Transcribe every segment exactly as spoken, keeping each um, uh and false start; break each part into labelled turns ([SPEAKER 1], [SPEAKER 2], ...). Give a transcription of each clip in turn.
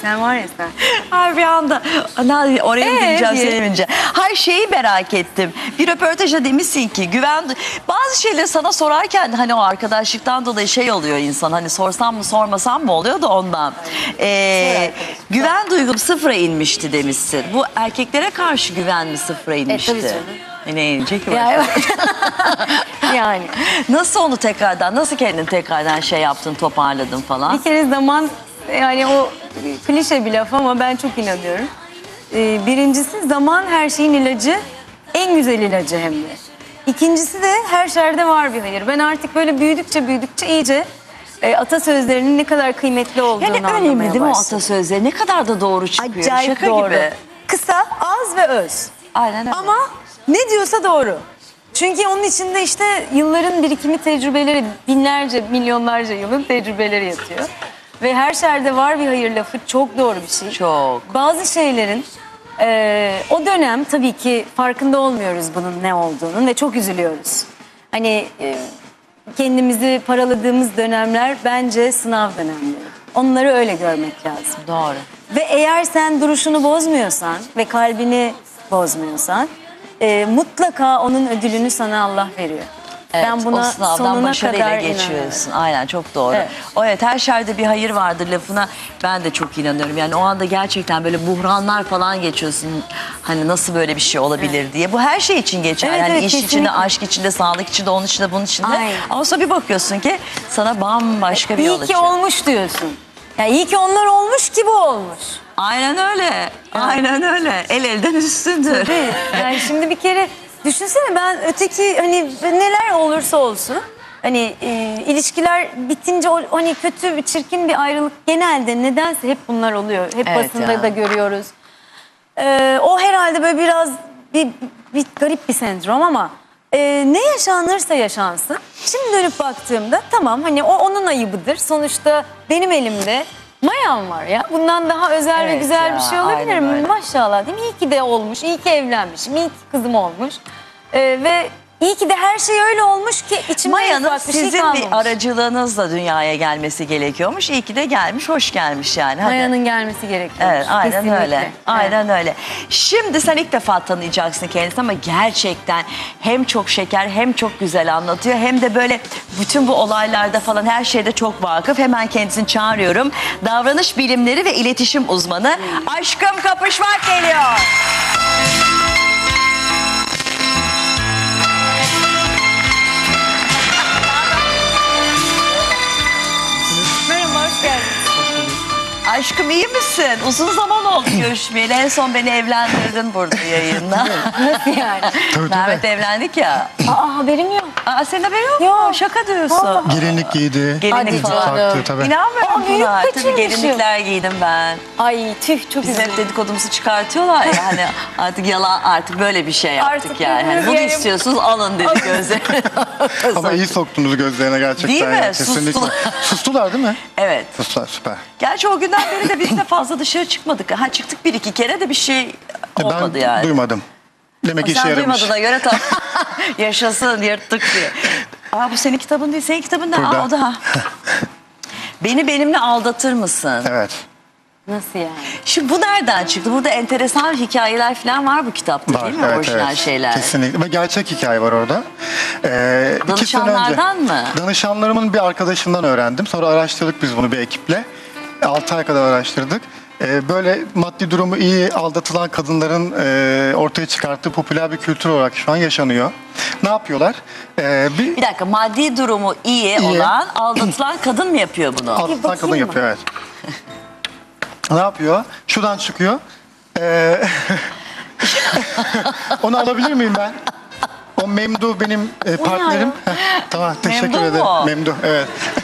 [SPEAKER 1] Sen var ya sen.
[SPEAKER 2] Ay bir anda ana, oraya mı
[SPEAKER 1] Ee,
[SPEAKER 2] gideceğim
[SPEAKER 1] diye.
[SPEAKER 2] söylemeyince. Hayır şeyi merak ettim. Bir röportajda demişsin ki güven bazı şeyleri sana sorarken hani o arkadaşlıktan dolayı şey oluyor insan hani sorsam mı sormasam mı oluyor da ondan. Ee, güven duygum sıfıra inmişti demişsin. Bu erkeklere karşı güven mi sıfıra inmişti?
[SPEAKER 1] tabii canım.
[SPEAKER 2] E, ne inecek ki?
[SPEAKER 1] Ya, yani.
[SPEAKER 2] Nasıl onu tekrardan, nasıl kendini tekrardan şey yaptın, toparladın falan?
[SPEAKER 1] Bir kere zaman, yani o klişe bir laf ama ben çok inanıyorum. Ee, birincisi zaman her şeyin ilacı, en güzel ilacı hem de. İkincisi de her şerde var bir hayır. Ben artık böyle büyüdükçe büyüdükçe iyice e, atasözlerinin ne kadar kıymetli olduğunu
[SPEAKER 2] Yani
[SPEAKER 1] anlamaya
[SPEAKER 2] önemli değil mi o
[SPEAKER 1] başladım.
[SPEAKER 2] atasözleri? Ne kadar da doğru çıkıyor.
[SPEAKER 1] Acayip
[SPEAKER 2] Şaka
[SPEAKER 1] doğru.
[SPEAKER 2] gibi.
[SPEAKER 1] Kısa, az ve öz.
[SPEAKER 2] Aynen öyle.
[SPEAKER 1] Ama ne diyorsa doğru. Çünkü onun içinde işte yılların birikimi tecrübeleri, binlerce, milyonlarca yılın tecrübeleri yatıyor. Ve her şerde var bir hayır lafı çok doğru bir şey.
[SPEAKER 2] Çok.
[SPEAKER 1] Bazı şeylerin e, o dönem tabii ki farkında olmuyoruz bunun ne olduğunun ve çok üzülüyoruz. Hani e, kendimizi paraladığımız dönemler bence sınav dönemleri. Onları öyle görmek lazım.
[SPEAKER 2] Doğru.
[SPEAKER 1] Ve eğer sen duruşunu bozmuyorsan ve kalbini bozmuyorsan e, mutlaka onun ödülünü sana Allah veriyor.
[SPEAKER 2] Evet,
[SPEAKER 1] ben buna
[SPEAKER 2] o sınavdan
[SPEAKER 1] sonuna
[SPEAKER 2] başarıyla
[SPEAKER 1] kadar
[SPEAKER 2] geçiyorsun.
[SPEAKER 1] inanıyorum.
[SPEAKER 2] Aynen çok doğru.
[SPEAKER 1] Evet.
[SPEAKER 2] O evet her şerde bir hayır vardır lafına ben de çok inanıyorum. Yani o anda gerçekten böyle buhranlar falan geçiyorsun. Hani nasıl böyle bir şey olabilir diye. Bu her şey için geçer.
[SPEAKER 1] Evet,
[SPEAKER 2] yani
[SPEAKER 1] evet,
[SPEAKER 2] iş içinde,
[SPEAKER 1] kesinlikle.
[SPEAKER 2] aşk içinde, sağlık içinde, onun içinde, bunun içinde.
[SPEAKER 1] Aynen.
[SPEAKER 2] Ama sonra bir bakıyorsun ki sana bambaşka bir yol
[SPEAKER 1] İyi ki
[SPEAKER 2] açıyor.
[SPEAKER 1] olmuş diyorsun. Ya iyi ki onlar olmuş ki bu olmuş.
[SPEAKER 2] Aynen öyle. Aynen öyle. El elden üstündür.
[SPEAKER 1] Değil. Yani şimdi bir kere düşünsene ben öteki hani neler olursa olsun hani e, ilişkiler bitince o hani kötü bir çirkin bir ayrılık genelde nedense hep bunlar oluyor. Hep
[SPEAKER 2] Evet
[SPEAKER 1] basında
[SPEAKER 2] ya.
[SPEAKER 1] da görüyoruz. Ee, o herhalde böyle biraz bir, bir garip bir sendrom ama e, ne yaşanırsa yaşansın. Şimdi dönüp baktığımda tamam hani o onun ayıbıdır. Sonuçta benim elimde mayam var ya. Bundan daha özel ve
[SPEAKER 2] Evet
[SPEAKER 1] güzel
[SPEAKER 2] ya,
[SPEAKER 1] bir şey olabilir
[SPEAKER 2] aynen
[SPEAKER 1] mi?
[SPEAKER 2] öyle.
[SPEAKER 1] Maşallah değil mi? İyi ki de olmuş, iyi ki evlenmişim, iyi ki kızım olmuş. Ee, ve iyi ki de her şey öyle olmuş ki içimde
[SPEAKER 2] Maya'nın
[SPEAKER 1] ufak bir şey
[SPEAKER 2] sizin
[SPEAKER 1] kalmamış.
[SPEAKER 2] bir aracılığınızla dünyaya gelmesi gerekiyormuş. İyi ki de gelmiş, hoş gelmiş yani. Hadi.
[SPEAKER 1] Maya'nın gelmesi gerekiyor.
[SPEAKER 2] Evet, aynen
[SPEAKER 1] Kesinlikle.
[SPEAKER 2] öyle.
[SPEAKER 1] Evet.
[SPEAKER 2] Aynen öyle. Şimdi sen ilk defa tanıyacaksın kendisini ama gerçekten hem çok şeker hem çok güzel anlatıyor hem de böyle bütün bu olaylarda falan her şeyde çok vakıf. Hemen kendisini çağırıyorum. Davranış bilimleri ve iletişim uzmanı Aşkım Kapışmak geliyor.
[SPEAKER 1] Merhaba, hoş geldiniz.
[SPEAKER 2] Aşkım iyi misin? Uzun zaman oldu görüşmeyeli. En son beni evlendirdin burada yayında.
[SPEAKER 1] Nasıl yani?
[SPEAKER 2] Mehmet evlendik ya.
[SPEAKER 1] Aa haberim yok.
[SPEAKER 2] Aa, senin haberin yok mu?
[SPEAKER 1] Yok.
[SPEAKER 2] Şaka diyorsun.
[SPEAKER 1] Vallahi.
[SPEAKER 3] Gelinlik giydi.
[SPEAKER 2] Gelinlik
[SPEAKER 1] Hadi
[SPEAKER 2] falan.
[SPEAKER 1] canım.
[SPEAKER 3] Taktı tabii.
[SPEAKER 2] İnanmıyorum
[SPEAKER 1] Aa, büyük
[SPEAKER 2] buna. Tabii
[SPEAKER 1] kaçırmışım.
[SPEAKER 2] gelinlikler giydim ben.
[SPEAKER 1] Ay tüh çok
[SPEAKER 2] Bizim hep
[SPEAKER 1] üzüldüm.
[SPEAKER 2] dedikodumuzu çıkartıyorlar ya hani artık yalan artık böyle bir şey yaptık
[SPEAKER 1] Artık
[SPEAKER 2] yani. Hani bunu
[SPEAKER 1] yani-
[SPEAKER 2] istiyorsunuz alın dedi gözlerine.
[SPEAKER 3] Ama iyi soktunuz gözlerine gerçekten.
[SPEAKER 2] Değil mi?
[SPEAKER 3] ya, Kesinlikle.
[SPEAKER 2] Sustular.
[SPEAKER 3] Sustular değil mi?
[SPEAKER 2] Evet.
[SPEAKER 3] Sustular, süper.
[SPEAKER 2] Gerçi o günden beri de biz de fazla dışarı çıkmadık. Ha çıktık bir iki kere de bir şey
[SPEAKER 3] E,
[SPEAKER 2] olmadı
[SPEAKER 3] ben
[SPEAKER 2] yani.
[SPEAKER 3] duymadım. Demek ki işe
[SPEAKER 2] Sen
[SPEAKER 3] yaramış.
[SPEAKER 2] duymadığına göre tamam. Yaşasın yırttık diye. Aa bu senin kitabın değil. Senin kitabın ne?
[SPEAKER 3] Burada.
[SPEAKER 2] Aa o da. Beni benimle aldatır mısın?
[SPEAKER 3] Evet.
[SPEAKER 1] Nasıl yani?
[SPEAKER 2] Şimdi bu nereden çıktı? Burada enteresan hikayeler falan var bu kitapta
[SPEAKER 3] Var.
[SPEAKER 2] değil mi?
[SPEAKER 3] Evet,
[SPEAKER 2] Orijinal
[SPEAKER 3] evet.
[SPEAKER 2] şeyler.
[SPEAKER 3] Kesinlikle. Ve gerçek hikaye var orada. Ee, iki sene önce-
[SPEAKER 2] Danışanlardan mı?
[SPEAKER 3] Danışanlarımın bir arkadaşından öğrendim. Sonra araştırdık biz bunu bir ekiple. altı ay kadar araştırdık. Ee, böyle maddi durumu iyi aldatılan kadınların e, ortaya çıkarttığı popüler bir kültür olarak şu an yaşanıyor. Ne yapıyorlar? Ee, bir
[SPEAKER 2] Bir dakika maddi durumu iyi,
[SPEAKER 3] İyi.
[SPEAKER 2] olan aldatılan kadın mı yapıyor bunu?
[SPEAKER 3] aldatılan
[SPEAKER 1] bakayım
[SPEAKER 3] kadın
[SPEAKER 1] mı?
[SPEAKER 3] yapıyor, evet. Ne yapıyor? Şuradan çıkıyor. Ee, onu alabilir miyim ben? O Memdu benim e, partnerim. Heh, tamam, teşekkür
[SPEAKER 2] Memdu
[SPEAKER 3] ederim.
[SPEAKER 2] mu?
[SPEAKER 3] Memdu, evet.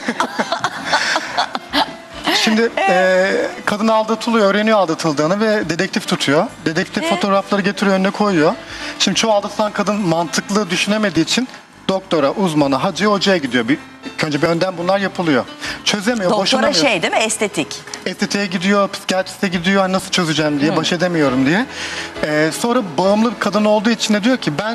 [SPEAKER 3] Şimdi e, kadın aldatılıyor, öğreniyor aldatıldığını ve dedektif tutuyor. Dedektif fotoğrafları getiriyor, önüne koyuyor. Şimdi çoğu aldatılan kadın mantıklı düşünemediği için doktora, uzmana, hacıya, hocaya gidiyor. Bir, ilk önce bir önden bunlar yapılıyor. Çözemiyor,
[SPEAKER 2] Doktora
[SPEAKER 3] boşanamıyor.
[SPEAKER 2] şey değil mi? Estetik.
[SPEAKER 3] Estetiğe gidiyor, psikiyatriste gidiyor, hani nasıl çözeceğim diye, baş edemiyorum diye. Ee, sonra bağımlı bir kadın olduğu için de diyor ki ben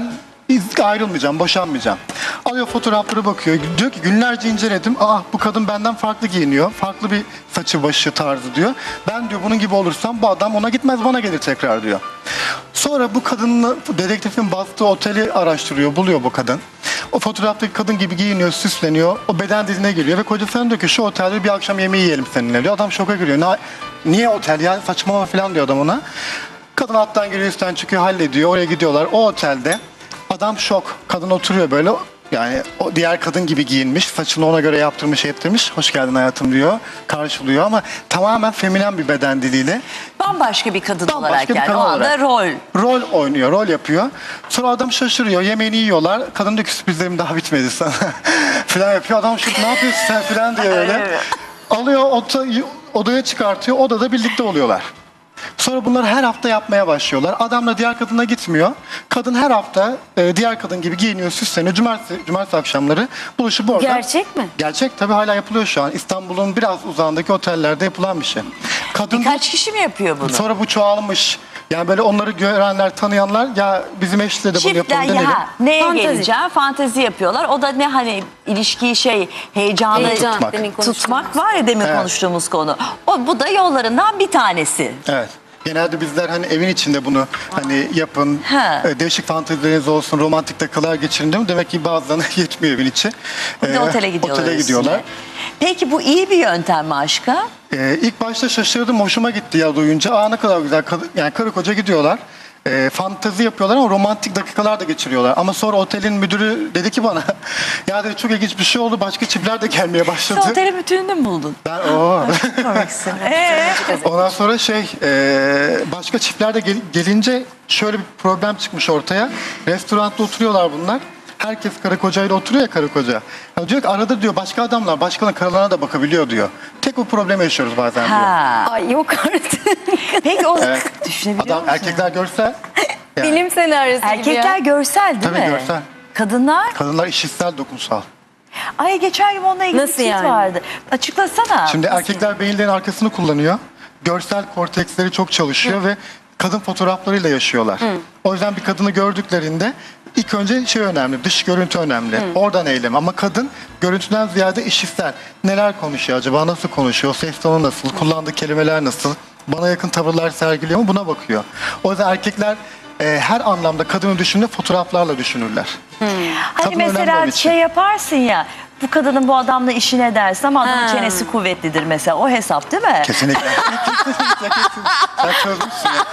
[SPEAKER 3] Biz ayrılmayacağım, boşanmayacağım. Alıyor fotoğrafları bakıyor. Diyor ki günlerce inceledim. Aa bu kadın benden farklı giyiniyor. Farklı bir saçı başı tarzı diyor. Ben diyor bunun gibi olursam bu adam ona gitmez bana gelir tekrar diyor. Sonra bu kadınla dedektifin bastığı oteli araştırıyor. Buluyor bu kadın. O fotoğraftaki kadın gibi giyiniyor, süsleniyor. O beden diline geliyor ve kocasına diyor ki şu otelde bir akşam yemeği yiyelim seninle diyor. Adam şoka giriyor. "Na- Niye otel ya saçmalama falan diyor adam ona. Kadın alttan giriyor üstten çıkıyor hallediyor. Oraya gidiyorlar. O otelde adam şok. Kadın oturuyor böyle. Yani o diğer kadın gibi giyinmiş. Saçını ona göre yaptırmış ettirmiş. Hoş geldin hayatım diyor. Karşılıyor ama tamamen feminen bir beden diliyle.
[SPEAKER 2] Bambaşka bir kadın
[SPEAKER 3] Bambaşka
[SPEAKER 2] olarak
[SPEAKER 3] bir
[SPEAKER 2] yani
[SPEAKER 3] kadın
[SPEAKER 2] o anda
[SPEAKER 3] olarak.
[SPEAKER 2] rol.
[SPEAKER 3] Rol oynuyor, rol yapıyor. Sonra adam şaşırıyor. Yemeğini yiyorlar. Kadın diyor ki sürprizlerim daha bitmedi sana. falan yapıyor. Adam şu ne yapıyorsun sen falan diye öyle. Alıyor oda, odaya çıkartıyor. Odada birlikte oluyorlar. Sonra bunları her hafta yapmaya başlıyorlar. Adamla diğer kadına gitmiyor. Kadın her hafta e, diğer kadın gibi giyiniyor, süsleniyor. Cumartesi, cumartesi akşamları buluşup orada.
[SPEAKER 1] Gerçek mi?
[SPEAKER 3] Gerçek tabii hala yapılıyor şu an. İstanbul'un biraz uzağındaki otellerde yapılan bir şey. Kadın
[SPEAKER 2] Kaç kişi mi yapıyor bunu?
[SPEAKER 3] sonra bu çoğalmış. Yani böyle onları görenler, tanıyanlar ya bizim eşle de bunu
[SPEAKER 2] Çiftler
[SPEAKER 3] yapalım denelim.
[SPEAKER 2] ya neye
[SPEAKER 1] Fantezi.
[SPEAKER 2] geleceğim? Fantezi yapıyorlar. O da ne hani ilişkiyi şey heyecanı
[SPEAKER 1] Heyecan,
[SPEAKER 3] tutmak.
[SPEAKER 1] demin konuştuğumuz.
[SPEAKER 2] tutmak var ya demin
[SPEAKER 3] Evet.
[SPEAKER 2] konuştuğumuz konu. O bu da yollarından bir tanesi.
[SPEAKER 3] Evet. Genelde bizler hani evin içinde bunu hani yapın,
[SPEAKER 2] Ha.
[SPEAKER 3] e, değişik fantezileriniz olsun, romantik dakikalar geçirin değil mi? Demek ki bazılarına yetmiyor evin içi.
[SPEAKER 2] Bir de
[SPEAKER 3] Ee,
[SPEAKER 2] otele gidiyorlar.
[SPEAKER 3] Otele gidiyorlar.
[SPEAKER 2] üstüne. Peki bu iyi bir yöntem mi aşka?
[SPEAKER 3] Ee, ilk başta şaşırdım, hoşuma gitti ya duyunca. Aa ne kadar güzel, Kad- yani karı koca gidiyorlar. Ee, fantezi yapıyorlar ama romantik dakikalar da geçiriyorlar. Ama sonra otelin müdürü dedi ki bana, ya dedi çok ilginç bir şey oldu, başka çiftler de gelmeye başladı.
[SPEAKER 2] Sen otelin bütününü mü buldun?
[SPEAKER 3] Ben o.
[SPEAKER 2] Komiksin. Ee?
[SPEAKER 3] Ondan sonra şey, e, başka çiftler de gel- gelince şöyle bir problem çıkmış ortaya. Restoranda oturuyorlar bunlar. Herkes karı kocayla oturuyor ya karı koca. Ya diyor ki arada diyor başka adamlar başkalarının karılarına da bakabiliyor diyor. Tek bu problemi yaşıyoruz bazen diyor.
[SPEAKER 2] Ha.
[SPEAKER 1] Ay yok artık.
[SPEAKER 2] Peki o
[SPEAKER 3] Evet.
[SPEAKER 2] düşünebiliyor
[SPEAKER 3] Adam
[SPEAKER 2] musun?
[SPEAKER 3] erkekler görse yani,
[SPEAKER 1] Bilim senaryosu gibi
[SPEAKER 2] Erkekler
[SPEAKER 1] ya.
[SPEAKER 2] görsel değil
[SPEAKER 3] Tabii
[SPEAKER 2] mi?
[SPEAKER 3] görsel.
[SPEAKER 2] Kadınlar?
[SPEAKER 3] kadınlar işitsel dokunsal.
[SPEAKER 2] Ay geçen gün onunla ilgili
[SPEAKER 1] Nasıl
[SPEAKER 2] bir tweet
[SPEAKER 1] yani?
[SPEAKER 2] vardı. Açıklasana.
[SPEAKER 3] Şimdi erkekler beyinlerin arkasını kullanıyor. Görsel korteksleri çok çalışıyor ve kadın fotoğraflarıyla yaşıyorlar. O yüzden bir kadını gördüklerinde ilk önce şey önemli, dış görüntü önemli. Oradan eylem ama kadın görüntüden ziyade işitsel. Neler konuşuyor acaba, nasıl konuşuyor, ses tonu nasıl, kullandığı kelimeler nasıl, bana yakın tavırlar sergiliyor mu buna bakıyor. O yüzden erkekler e, her anlamda kadını düşünür, fotoğraflarla düşünürler.
[SPEAKER 2] Hani
[SPEAKER 3] Kadın önemli onun
[SPEAKER 2] mesela
[SPEAKER 3] için.
[SPEAKER 2] şey yaparsın ya, bu kadının bu adamla işi ne dersin ama adamın
[SPEAKER 1] Ha.
[SPEAKER 2] çenesi kuvvetlidir mesela. O hesap değil mi?
[SPEAKER 3] Kesinlikle. Kesinlikle, kesin. Sen çözmüşsün ya.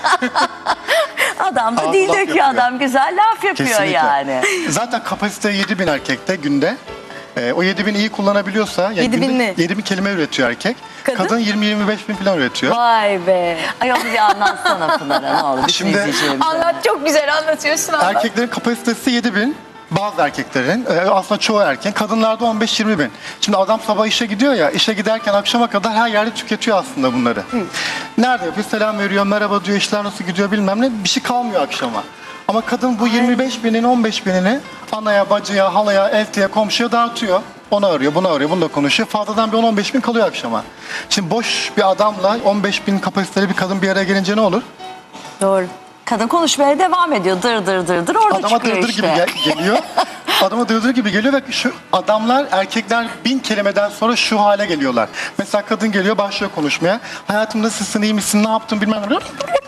[SPEAKER 2] Adam da
[SPEAKER 3] Ağzı
[SPEAKER 2] dil
[SPEAKER 3] laf
[SPEAKER 2] döküyor,
[SPEAKER 3] yapıyor.
[SPEAKER 2] adam güzel laf yapıyor
[SPEAKER 3] Kesinlikle.
[SPEAKER 2] yani.
[SPEAKER 3] Zaten kapasite yedi bin erkekte günde. Ee, o yedi bin iyi kullanabiliyorsa yani
[SPEAKER 1] yedi bin
[SPEAKER 3] günde
[SPEAKER 1] ne?
[SPEAKER 3] yedi bin kelime üretiyor erkek.
[SPEAKER 1] Kadın?
[SPEAKER 3] Kadın yirmi yirmi beş bin falan üretiyor.
[SPEAKER 1] Vay be.
[SPEAKER 2] Ay onu bir anlatsana Pınar'a ne olur. Bütün
[SPEAKER 3] Şimdi-
[SPEAKER 2] izleyicilerimize.
[SPEAKER 1] Anlat çok güzel anlatıyorsun anlat.
[SPEAKER 3] Erkeklerin kapasitesi yedi bin. Bazı erkeklerin, e, aslında çoğu erkeğin, kadınlarda on beş yirmi bin. Şimdi adam sabah işe gidiyor ya, işe giderken akşama kadar her yerde tüketiyor aslında bunları. Nerede yapıyor? Selam veriyor, merhaba diyor, işler nasıl gidiyor bilmem ne. Bir şey kalmıyor akşama. Ama kadın bu yirmi beş binin on beş binini anaya, bacıya, halaya, eltiye, komşuya dağıtıyor. Onu arıyor, bunu arıyor, bunu da konuşuyor. Fazladan bir on on beş bin kalıyor akşama. Şimdi boş bir adamla on beş bin kapasiteli bir kadın bir araya gelince ne olur?
[SPEAKER 1] Doğru.
[SPEAKER 2] Kadın konuşmaya devam ediyor. Dır dır dır dır orada
[SPEAKER 3] Adama
[SPEAKER 2] çıkıyor
[SPEAKER 3] dırdır
[SPEAKER 2] işte.
[SPEAKER 3] gibi gel- geliyor. Adama dırdır gibi geliyor ve şu adamlar, erkekler bin kelimeden sonra şu hale geliyorlar. Mesela kadın geliyor, başlıyor konuşmaya. Hayatım nasılsın, iyi misin, ne yaptın bilmem ne.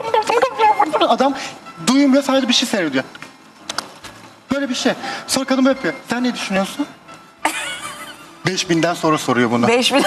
[SPEAKER 3] Adam duymuyor, sadece bir şey seyrediyor. Böyle bir şey. Sonra kadın böyle yapıyor. Sen ne düşünüyorsun? Beş binden sonra soruyor bunu.
[SPEAKER 2] Beş bin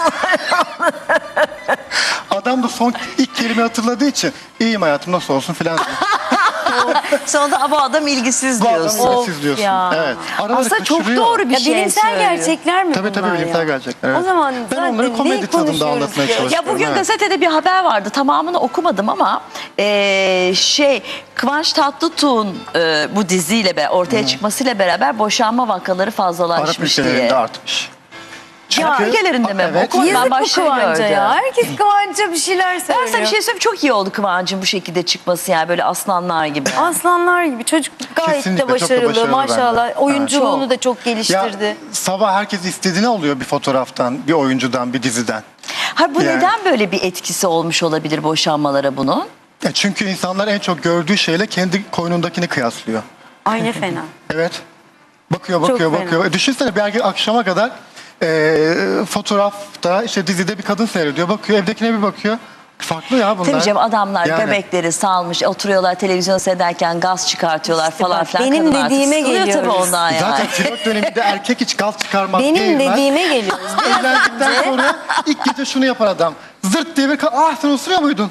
[SPEAKER 3] Adam da son ilk kelime hatırladığı için iyiyim hayatım nasıl olsun filan diyor.
[SPEAKER 2] sonra bu adam ilgisiz
[SPEAKER 3] Bu adam
[SPEAKER 2] diyorsun.
[SPEAKER 1] Of
[SPEAKER 3] siz diyorsun.
[SPEAKER 1] ya.
[SPEAKER 3] Evet. Araları
[SPEAKER 2] Aslında çok
[SPEAKER 3] kaçırıyor.
[SPEAKER 2] doğru bir
[SPEAKER 1] Ya
[SPEAKER 2] şey
[SPEAKER 1] bilimsel
[SPEAKER 2] söylüyor.
[SPEAKER 1] gerçekler mi
[SPEAKER 3] Tabii
[SPEAKER 1] bunlar
[SPEAKER 3] tabii bilimsel
[SPEAKER 1] ya?
[SPEAKER 3] gerçekler. Evet.
[SPEAKER 1] O zaman
[SPEAKER 3] ben
[SPEAKER 1] zaten
[SPEAKER 3] onları
[SPEAKER 1] ne
[SPEAKER 3] komedi tadında
[SPEAKER 1] konuşuyoruz
[SPEAKER 3] anlatmaya
[SPEAKER 1] ya?
[SPEAKER 3] çalışıyorum.
[SPEAKER 2] Ya bugün
[SPEAKER 3] evet.
[SPEAKER 2] gazetede bir haber vardı. Tamamını okumadım ama eee, şey Kıvanç Tatlıtuğ'un eee, bu diziyle be ortaya çıkmasıyla beraber boşanma vakaları
[SPEAKER 3] Arap
[SPEAKER 2] fazlalaşmış
[SPEAKER 3] ülkelerinde
[SPEAKER 2] diye.
[SPEAKER 3] artmış.
[SPEAKER 2] Ya ülkelerinde mi?
[SPEAKER 3] Evet.
[SPEAKER 2] O konudan
[SPEAKER 1] Yazık bu
[SPEAKER 2] başarı
[SPEAKER 1] Kıvanç'a
[SPEAKER 2] gördü.
[SPEAKER 1] ya. Herkes Kıvanç'a bir şeyler söylüyor.
[SPEAKER 2] Ben sana bir şey söyleyeyim. Çok iyi oldu Kıvanç'ın bu şekilde çıkması yani böyle aslanlar gibi.
[SPEAKER 1] Aslanlar gibi. Çocuk gayet
[SPEAKER 3] Kesinlikle,
[SPEAKER 1] de
[SPEAKER 3] çok da
[SPEAKER 1] başarılı.
[SPEAKER 3] başarılı
[SPEAKER 1] Maşallah.
[SPEAKER 3] bence.
[SPEAKER 1] Oyunculuğunu
[SPEAKER 2] Evet.
[SPEAKER 1] da çok
[SPEAKER 3] Ya
[SPEAKER 1] geliştirdi.
[SPEAKER 3] sabah herkes istediğini alıyor bir fotoğraftan, bir oyuncudan, bir diziden.
[SPEAKER 2] Ha bu
[SPEAKER 3] Yani-
[SPEAKER 2] neden böyle bir etkisi olmuş olabilir boşanmalara bunun?
[SPEAKER 3] Ya çünkü insanlar en çok gördüğü şeyle kendi koynundakini kıyaslıyor.
[SPEAKER 1] Ay ne fena.
[SPEAKER 3] Evet. Bakıyor, bakıyor,
[SPEAKER 1] fena.
[SPEAKER 3] bakıyor. E, düşünsene bir erkek akşama kadar e, fotoğrafta, işte dizide bir kadın seyrediyor. Bakıyor, evdekine bir bakıyor. Farklı ya bunlar.
[SPEAKER 2] Tabii canım, adamlar
[SPEAKER 3] Yani.
[SPEAKER 2] göbekleri salmış, oturuyorlar televizyon seyrederken gaz çıkartıyorlar
[SPEAKER 1] İşte
[SPEAKER 2] falan
[SPEAKER 1] bak,
[SPEAKER 2] filan.
[SPEAKER 1] benim
[SPEAKER 2] Kadın artık
[SPEAKER 1] dediğime
[SPEAKER 2] sıkılıyor tabii
[SPEAKER 1] geliyoruz.
[SPEAKER 2] ondan yani.
[SPEAKER 3] Zaten flört döneminde erkek hiç gaz çıkarmaz.
[SPEAKER 1] Benim
[SPEAKER 3] geğirmez.
[SPEAKER 1] dediğime geliyoruz.
[SPEAKER 3] Evlendikten sonra ilk gece şunu yapar adam. Zırt diye bir ka- ah sen osuruyor muydun?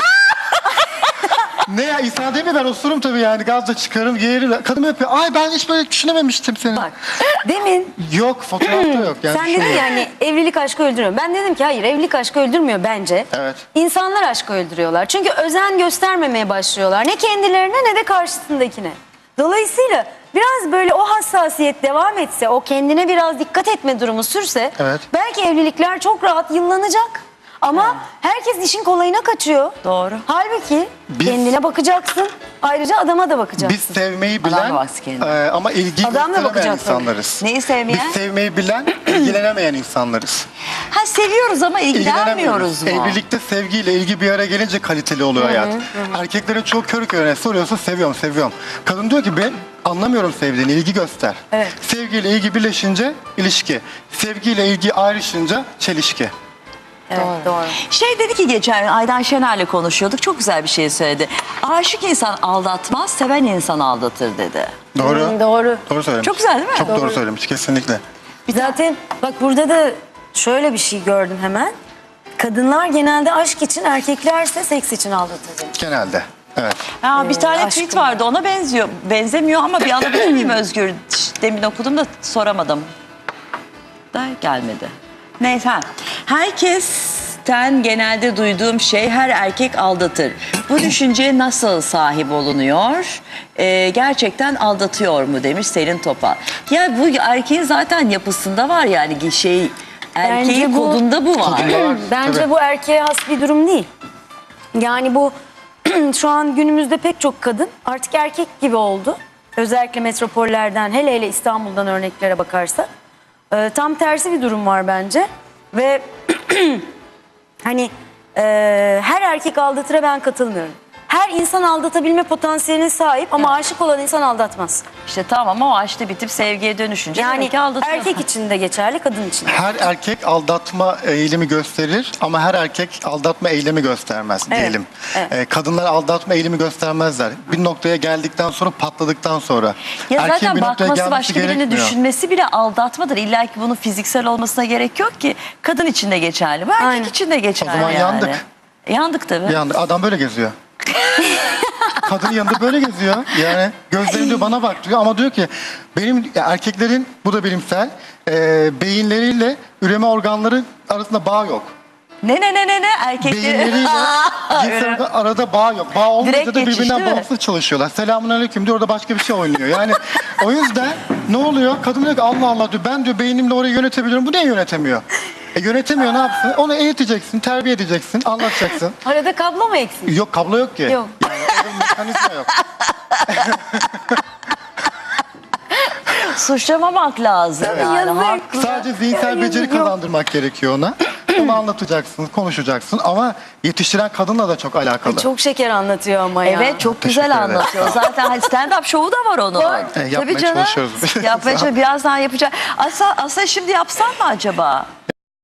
[SPEAKER 3] Ne ya, insan değil mi? Ben osururum tabii yani. Gaz da çıkarım, geğiririm. Kadın yapıyor. Ay ben hiç böyle düşünememiştim seni.
[SPEAKER 1] Bak demin
[SPEAKER 3] Yok, fotoğrafta yok. Yani
[SPEAKER 1] sen dedin
[SPEAKER 3] düşünmüyorum.
[SPEAKER 1] yani evlilik aşkı öldürüyor. Ben dedim ki hayır, evlilik aşkı öldürmüyor bence.
[SPEAKER 3] Evet.
[SPEAKER 1] İnsanlar aşkı öldürüyorlar. Çünkü özen göstermemeye başlıyorlar. Ne kendilerine ne de karşısındakine. Dolayısıyla biraz böyle o hassasiyet devam etse, o kendine biraz dikkat etme durumu sürse
[SPEAKER 3] Evet.
[SPEAKER 1] belki evlilikler çok rahat yıllanacak. Ama herkes işin kolayına kaçıyor.
[SPEAKER 2] Doğru.
[SPEAKER 1] Halbuki
[SPEAKER 3] Biz-
[SPEAKER 1] kendine bakacaksın. Ayrıca adama da bakacaksın.
[SPEAKER 3] Biz sevmeyi
[SPEAKER 2] Adam
[SPEAKER 3] bilen
[SPEAKER 2] bak kendine.
[SPEAKER 3] e, ama ilgi
[SPEAKER 1] Adam da
[SPEAKER 3] gösteremeyen
[SPEAKER 1] bakacak tabii.
[SPEAKER 3] insanlarız.
[SPEAKER 2] Neyi sevmeyen?
[SPEAKER 3] Biz sevmeyi bilen, ilgilenemeyen insanlarız.
[SPEAKER 2] Ha, seviyoruz ama ilgilenmiyoruz mu?
[SPEAKER 3] Evlilikte sevgiyle ilgi bir araya gelince kaliteli oluyor hayat. Erkeklerin çok körü körüne soruyorsa seviyorum, seviyorum. Kadın diyor ki ben anlamıyorum sevdiğini, ilgi göster.
[SPEAKER 1] Evet.
[SPEAKER 3] Sevgiyle ilgi birleşince ilişki. Sevgiyle ilgi ayrışınca çelişki.
[SPEAKER 1] Evet, doğru.
[SPEAKER 2] Şey dedi ki geçen Aydan Şener'le konuşuyorduk, çok güzel bir şey söyledi. Aşık insan aldatmaz, seven insan aldatır dedi.
[SPEAKER 3] Doğru.
[SPEAKER 1] Hmm, doğru.
[SPEAKER 3] Doğru söylemiş.
[SPEAKER 2] Çok güzel değil mi?
[SPEAKER 3] Çok doğru,
[SPEAKER 1] Doğru.
[SPEAKER 3] söylemiş kesinlikle.
[SPEAKER 1] Zaten bak burada da şöyle bir şey gördüm hemen. Kadınlar genelde aşk için, erkeklerse seks için aldatır demiş.
[SPEAKER 3] Genelde. Evet.
[SPEAKER 2] Ha, bir tane
[SPEAKER 1] aşkım.
[SPEAKER 2] tweet vardı, ona benziyor. Benzemiyor ama bir alabilir miyim Özgür? Demin okudum da soramadım. Da gelmedi. Neyse. Herkesten genelde duyduğum şey, her erkek aldatır. Bu düşünceye nasıl sahip olunuyor? Ee, gerçekten aldatıyor mu demiş Selin Topal. Ya bu erkeğin zaten yapısında var yani şey, erkeğin
[SPEAKER 1] Bence bu-
[SPEAKER 2] kodunda bu var.
[SPEAKER 3] Kodunda var.
[SPEAKER 1] Bence
[SPEAKER 3] Tabii.
[SPEAKER 1] bu erkeğe has bir durum değil. Yani bu şu an günümüzde pek çok kadın artık erkek gibi oldu. Özellikle metropollerden, hele hele İstanbul'dan örneklere bakarsak. Ee, tam tersi bir durum var bence. Ve hani e, her erkek aldatıra ben katılmıyorum. Her insan aldatabilme potansiyeline sahip ama aşık olan insan aldatmaz.
[SPEAKER 2] İşte tamam, o aşkı bitip sevgiye dönüşünce
[SPEAKER 1] Yani
[SPEAKER 2] demek ki aldatıyor.
[SPEAKER 1] erkek için de geçerli, kadın için de.
[SPEAKER 3] Her erkek aldatma eğilimi gösterir ama her erkek aldatma eylemi göstermez
[SPEAKER 1] Evet,
[SPEAKER 3] diyelim.
[SPEAKER 1] evet.
[SPEAKER 3] Ee, kadınlar aldatma eğilimi göstermezler. Bir noktaya geldikten sonra, patladıktan sonra.
[SPEAKER 2] Ya
[SPEAKER 3] Erkeğin
[SPEAKER 2] zaten
[SPEAKER 3] bir noktaya
[SPEAKER 2] bakması,
[SPEAKER 3] gelmesi
[SPEAKER 2] başka birini
[SPEAKER 3] gerekmiyor.
[SPEAKER 2] düşünmesi bile aldatmadır. İlla ki bunun fiziksel olmasına gerek yok ki. Kadın için de geçerli, bu erkek
[SPEAKER 1] Aynen.
[SPEAKER 2] için de geçerli
[SPEAKER 3] O zaman
[SPEAKER 2] yani.
[SPEAKER 3] yandık.
[SPEAKER 2] Yandık tabii.
[SPEAKER 3] Bir anda adam böyle geziyor. Kadın yanında böyle geziyor. Yani gözlerim diyor bana bak diyor ama diyor ki benim ya erkeklerin, bu da bilimsel, e, beyinleriyle üreme organları arasında bağ yok.
[SPEAKER 2] Ne ne ne ne ne erkekleri.
[SPEAKER 3] Beyinleriyle cinsel arada bağ yok. Bağ olmayınca
[SPEAKER 2] Direkt
[SPEAKER 3] da
[SPEAKER 2] geçiş,
[SPEAKER 3] birbirinden
[SPEAKER 2] değil mi?
[SPEAKER 3] bağımsız çalışıyorlar. Selamun aleyküm diyor, orada başka bir şey oynuyor. Yani o yüzden ne oluyor? Kadın diyor ki Allah Allah diyor, ben diyor beynimle orayı yönetebiliyorum. Bu niye yönetemiyor? E yönetemiyor, ne yapsın? Onu eğiteceksin, terbiye edeceksin, anlatacaksın.
[SPEAKER 1] Arada kablo mu eksik?
[SPEAKER 3] Yok, kablo yok ki.
[SPEAKER 1] Yok.
[SPEAKER 3] Yani orada bir mekanizma yok.
[SPEAKER 2] Suçlamamak lazım.
[SPEAKER 3] Evet.
[SPEAKER 2] Yani,
[SPEAKER 1] Yazık.
[SPEAKER 2] haklı.
[SPEAKER 3] Sadece zihinsel beceri
[SPEAKER 1] Yok.
[SPEAKER 3] kazandırmak gerekiyor ona. Onu anlatacaksın, konuşacaksın ama yetiştiren kadınla da çok alakalı.
[SPEAKER 1] Çok şeker anlatıyor ama ya.
[SPEAKER 2] Evet, çok
[SPEAKER 3] Teşekkür
[SPEAKER 2] güzel
[SPEAKER 3] ederim.
[SPEAKER 2] anlatıyor. Zaten hani stand-up şovu da var onun.
[SPEAKER 1] Var.
[SPEAKER 3] E, yapmaya çalışıyoruz.
[SPEAKER 2] Yapmaya çalışıyoruz. Birazdan yapacağız. Aslında, aslında şimdi yapsan mı acaba?